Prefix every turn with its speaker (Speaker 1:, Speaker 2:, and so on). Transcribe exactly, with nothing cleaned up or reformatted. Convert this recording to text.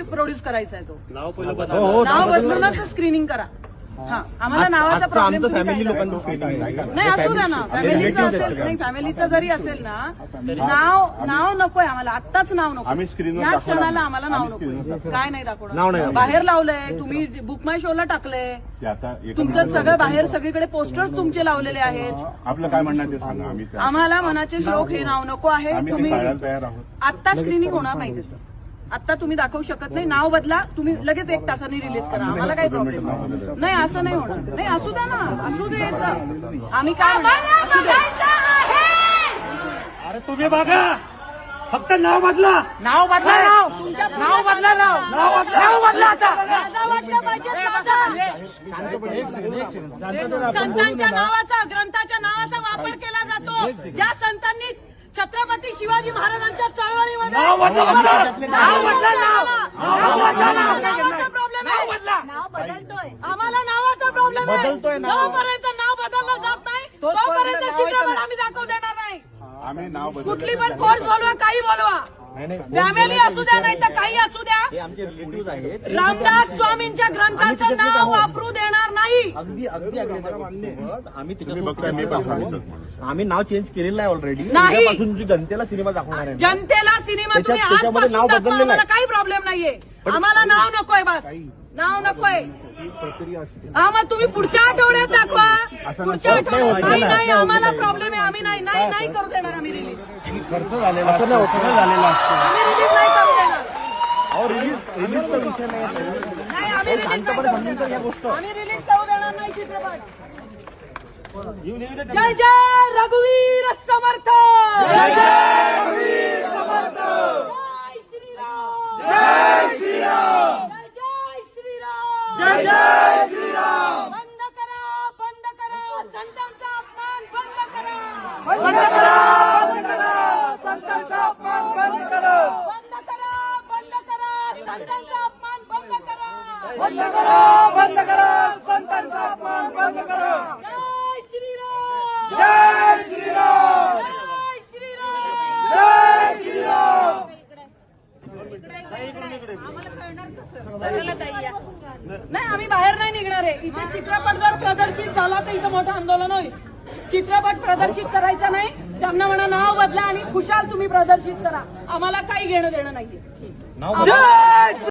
Speaker 1: Produce करायचा आहे तो.
Speaker 2: नाव पहिलं
Speaker 1: नाव बदलूनच स्क्रीनिंग करा. हा आम्हाला नावाचा प्रॉब्लेम
Speaker 3: फॅमिली लोकांचं स्क्रीनिंग
Speaker 1: नाही असू द्या ना. फॅमिलीचं असेल नाही फॅमिलीचं जरी असेल ना नाव नाव नकोय आम्हाला. आत्ताच नाव नको. या क्षणाला आम्हाला नाव नको. काय नाही दाखवणार. बाहेर लावलंय तुम्ही बुक माय शोला टाकलंय. तुमचं सगळं बाहेर सगळीकडे पोस्टर्स तुमचे लावलेले आहेत.
Speaker 4: आपलं काय म्हणणं ते सांगा. आम्ही
Speaker 1: आम्हाला मनाचे श्लोक हे नाव नको आहे. तुम्ही आत्ता स्क्रीनिंग होणार नाही त्याचं. आता तुम्ही दाखवू शकत नाही. नाव बदला. तुम्ही लगेच एक तासाने रिलीज करा. आम्हाला काही प्रॉब्लेम नाही. असं नाही होणार. नाही असू द्या ना. असू दे. आम्ही काय असू द्या.
Speaker 2: अरे तुम्ही बघा फक्त नाव बदला.
Speaker 1: नाव बदला. नाव नाव बदला. नाव नाव बदला. आता संतांच्या नावाचा ग्रंथाच्या नावाचा वापर केला जातो. ज्या संतांनी छत्रपती शिवाजी महाराजांच्या चळवळीमध्ये
Speaker 2: नाव बदला.
Speaker 1: नाव बदला. नावाचा प्रॉब्लेम आहे.
Speaker 5: नाव बदलतोय.
Speaker 1: आम्हाला नावाचा प्रॉब्लेम आहे. जोपर्यंत नाव बदललं जात नाही तोपर्यंत चित्रपट आम्ही दाखवू देणार नाही.
Speaker 4: आम्ही नाव
Speaker 1: कुठली पण फोर्स बोलवा काही बोलवा. फॅमिली असू द्या नाही तर काही असू द्या.
Speaker 3: आमचे रिलेटिव्ह आहेत.
Speaker 1: रामदास स्वामींच्या ग्रंथाचं नाव वापरू देणार नाही.
Speaker 3: अगदी अगदी आम्ही
Speaker 4: तुम्ही बघताय मी पण सांगितलं.
Speaker 3: आम्ही नाव चेंज केलेलं आहे ऑलरेडी.
Speaker 1: नाही.
Speaker 3: उद्यापासून जनतेला सिनेमा दाखवणार आहे.
Speaker 1: जनतेला सिनेमा तुम्ही
Speaker 3: त्याच्यात- त्याच्यामध्ये नाव
Speaker 1: आजपासून दाखवा.
Speaker 3: बदललेलं आहे.
Speaker 1: आम्हाला काही प्रॉब्लेम नाहीये. आम्हाला नाव नकोय. बस नाव नकोय. हा मग तुम्ही पुढच्या आठवड्यात दाखवा. पुढच्या आठवड्यात नाही नाही आम्हाला प्रॉब्लेम आहे. आम्ही नाही नाही नाही करू देणार. आम्ही रिलीज
Speaker 3: खर्च झालेला असं नाही होतं झालेला असतो.
Speaker 1: आम्ही रिलीज नाही करू देणार.
Speaker 3: अहो रिलीज रिलीजचा विषय नाही.
Speaker 1: नाही आम्ही रिलीज नाही करू देणार. आम्ही रिलीज करू देणार नाही चित्रपट. जय जय रघुवीर समर्थ. जय जय रघुवीर समर्थ. जय श्रीराम. जय श्रीराम. जय श्रीराम. जय जय श्रीराम. बंद करा बंद करा संतांचा अपमान बंद करा. बंद करा बंद करा संतांचा अपमान बंद करा. बंद करा बंद करा संतांचा अपमान बंद करा. बंद करा बंद करा संतांचा अपमान बंद करा. जय श्रीराम. जय श्रीराम. जय श्रीराम. जय श्रीराम. नाही आम्ही बाहेर नाही निघणार आहे. इथे चित्रपट जर प्रदर्शित झाला तर इथं मोठं आंदोलन होईल. चित्रपट प्रदर्शित करायचा नाही. त्यांना म्हणा नाव बदला आणि खुशाल तुम्ही प्रदर्शित करा. आम्हाला काही घेणं देणं नाहीये.
Speaker 3: नाव
Speaker 1: जय